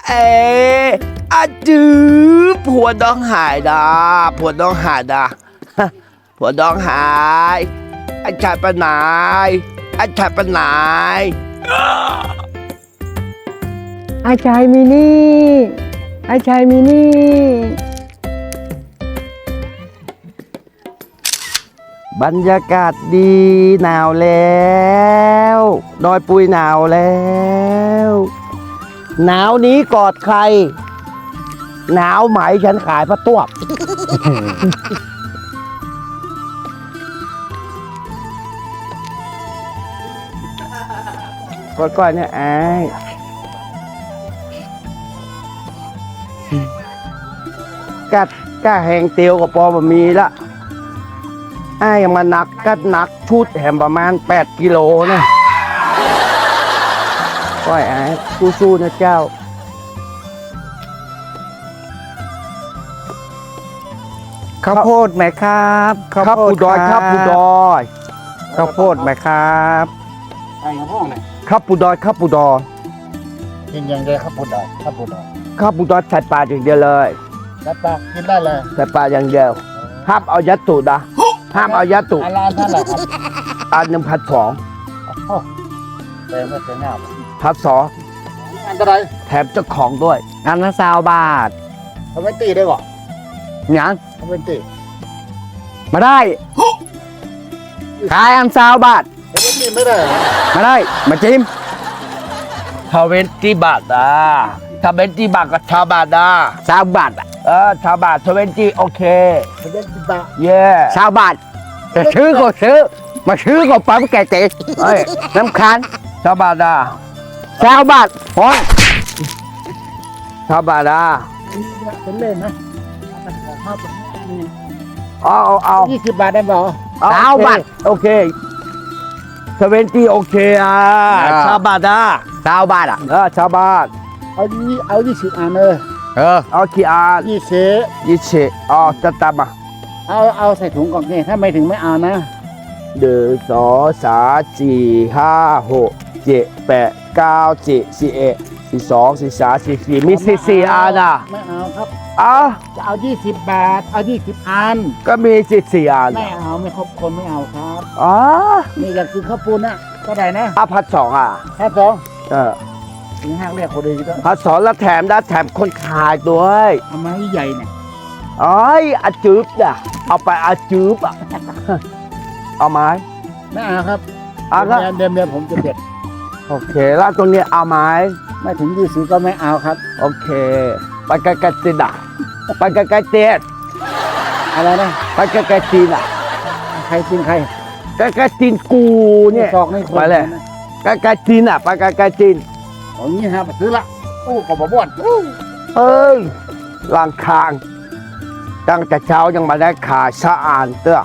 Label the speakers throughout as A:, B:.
A: เออาจื้อผัวน้องหายดาผัวน้องหายดาผัวน้องหายอันชายปะนายอันชายปะนาย
B: อาชายมินี่อาชายมินี่
A: บรรยากาศดีหนาวแล้วดอยปุยหนาวแล้วหนาวนี้กอดใครหนาวไหมฉันขายพระตัวก้อยๆเนี่ยไอ้กัดก้าแหงเตียวกับปอมามีละไอ้ยังมานักกัดนักชุดแหมประมาณ8 กิโลนะก้อยไอ้สู้ๆนะเจ้า
B: ข้าวโพดไหมครับ
A: ครับปูดอยครับปูดอย
B: ข้าวโพดไหมครับ
C: ไอ้ห้องไหน
A: ครับปูดอยครับปูดอย
C: กินอย่างเดียวครับปูดอยครับปูดอย
A: ครับปูดอยใส่ปลาอย่างเดียวเลย
C: แล้วปลากินได้เลย
A: ใส่ปลาอย่างเดียวห้ามเอายัดตูดนะห้ามเอายัดตูด
C: ร้านเท่าไหร่ครับ
A: อัน1,200
C: แต่ไม่เสียหน้า
A: 1,200
C: อันตราย
A: แถมเจ้าของด้วย
B: อันละ20 บาท
C: ทำไมตีได้บ่
B: ยัง
C: ทำไมตี
B: มาได้ขายอัน20 บาท
C: ทำไมตีไม่ได้
B: มาได้มาจิ้ม
A: ถ้าเว้นที่บาทนะถ้าเว้นที่บาทก็ชาวบาทนะ
B: 20 บาทอ่ะ
A: ชาวบาทถ้าเว้นที่โอเค
C: ทำไมตีบ้า
A: เย่
B: 20 บาทจะซื้อก็ซื้อมาซื้อก็ปั๊มแกเตะ
A: เฮ้ย
B: น้ำคัน
A: ชาวบาทนะ
B: 20 บาทพอ
A: ชาวบาทนะ
C: เป็นเล่นนะ
A: เอา
C: 20 บาทได้บ่
B: 20 บาท
A: โอเคถ้าเว้นที่โอเคชาวบาทนะ
B: 20 บาทอ่ะ
A: ชาวบาท
C: เอา20 อันเลย
A: เอากี่อัน
C: 20
A: จะตามมา
C: เอาใส่ถุงก่อนนี่ถ้าไม่ถึงไม่เอานะ
A: 1 2 3 4 5 6 7 8 9 10 11 12 13 14มี14 อันอ่ะ
C: ไม่เอาครับ
A: จะ
C: เอา20 บาทเอา20 อัน
A: ก็มี14 อัน
C: ไม่เอาไม่ครบคนไม่เอาครับ นี่อยากกินข้าวปูนนะก็ได้นะ
A: 1,200
C: ถ้า2
A: เออ
C: ถึงห้างเรียกคนดีก็
A: 1,200แล้วแถมนะแถมคนขายด้วย
C: เอามาใหญ่เนี่ย
A: อาจืบอ่ะเอาไปอาจืบอ่ะ เอาไหม
C: ไม่เอาครับ
A: เอาครับ
C: เดิมผมจะเด็ด
A: โอเคแล้วตรงนี้เอาไหม
C: ไม่ถึง20ก็ไม่เอาครับ
A: โอเคไปไกลๆตีนอ่ะไปไกลๆเตียน
C: อะไรนะ
A: ไปไกลๆตีนอ่ะ
C: ใครกินใคร
A: ใกล้ๆตีนกูเนี่ย
C: ซอกนี่คน
A: ไปเลย ใกล้ๆตีนอ่ะไปไกลๆตีน
C: อย่างนี้ครับซื้อละอู้กบบ้วน
A: เอ้ยล่างคางตั้งแต่เช้ายังมาได้ขายสะอานเตื้อ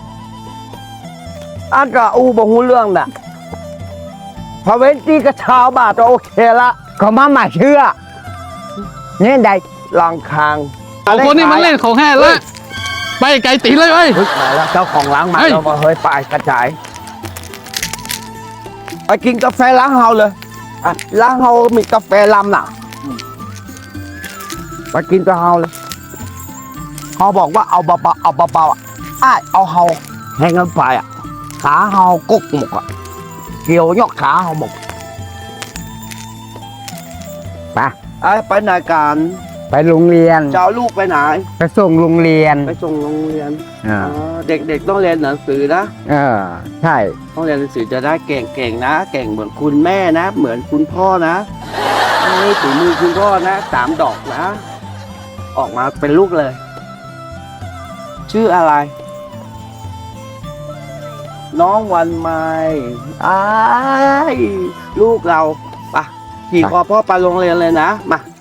A: อันก็อูบ่ฮู้เรื่องน่ะพอเว้นที่กระเช้าบาทก็โอเคละ
B: ก็มาเชื่อเนี่ยใด
A: ล่างคาง
D: เอาคนนี้มันเล่นของแห่แล้วไปไกลตีเลยเว้ย
A: เฮ้ยมาแล้วเจ้าของร้านมา
D: เฮ้ย
A: แล้วมาเฮ้ยไปกระจายไปกินกาแฟล้างเฮาเลยล้างเฮามีกาแฟลำน่ะไปกินกับเฮาเลยเขาบอกว่าเอาเบาๆเอาเบาๆอ่ะเอาเฮาแห้งกันไปอ่ะขาเฮากุกหมกอ่ะเกี่ยวยกขาเฮาหมกไปไหนกัน
B: ไปโรงเรียน
A: จะเอาลูกไปไหน
B: ไปส่งโรงเรียน
A: ไปส่งโรงเรียน
B: อ่า
A: เด็กๆต้องเรียนหนังสือนะ
B: ใช่
A: ต้องเรียนหนังสือจะได้เก่งๆนะ เก่งเหมือนคุณแม่นะ เหมือนคุณพ่อนะนี่ถึงมือคุณพ่อนะ3 ดอกนะ ออกมาเป็นลูกเลย ชื่ออะไร น้องวันใหม่ลูกเราไปขี่คอพ่อไปโรงเรียนเลยนะมา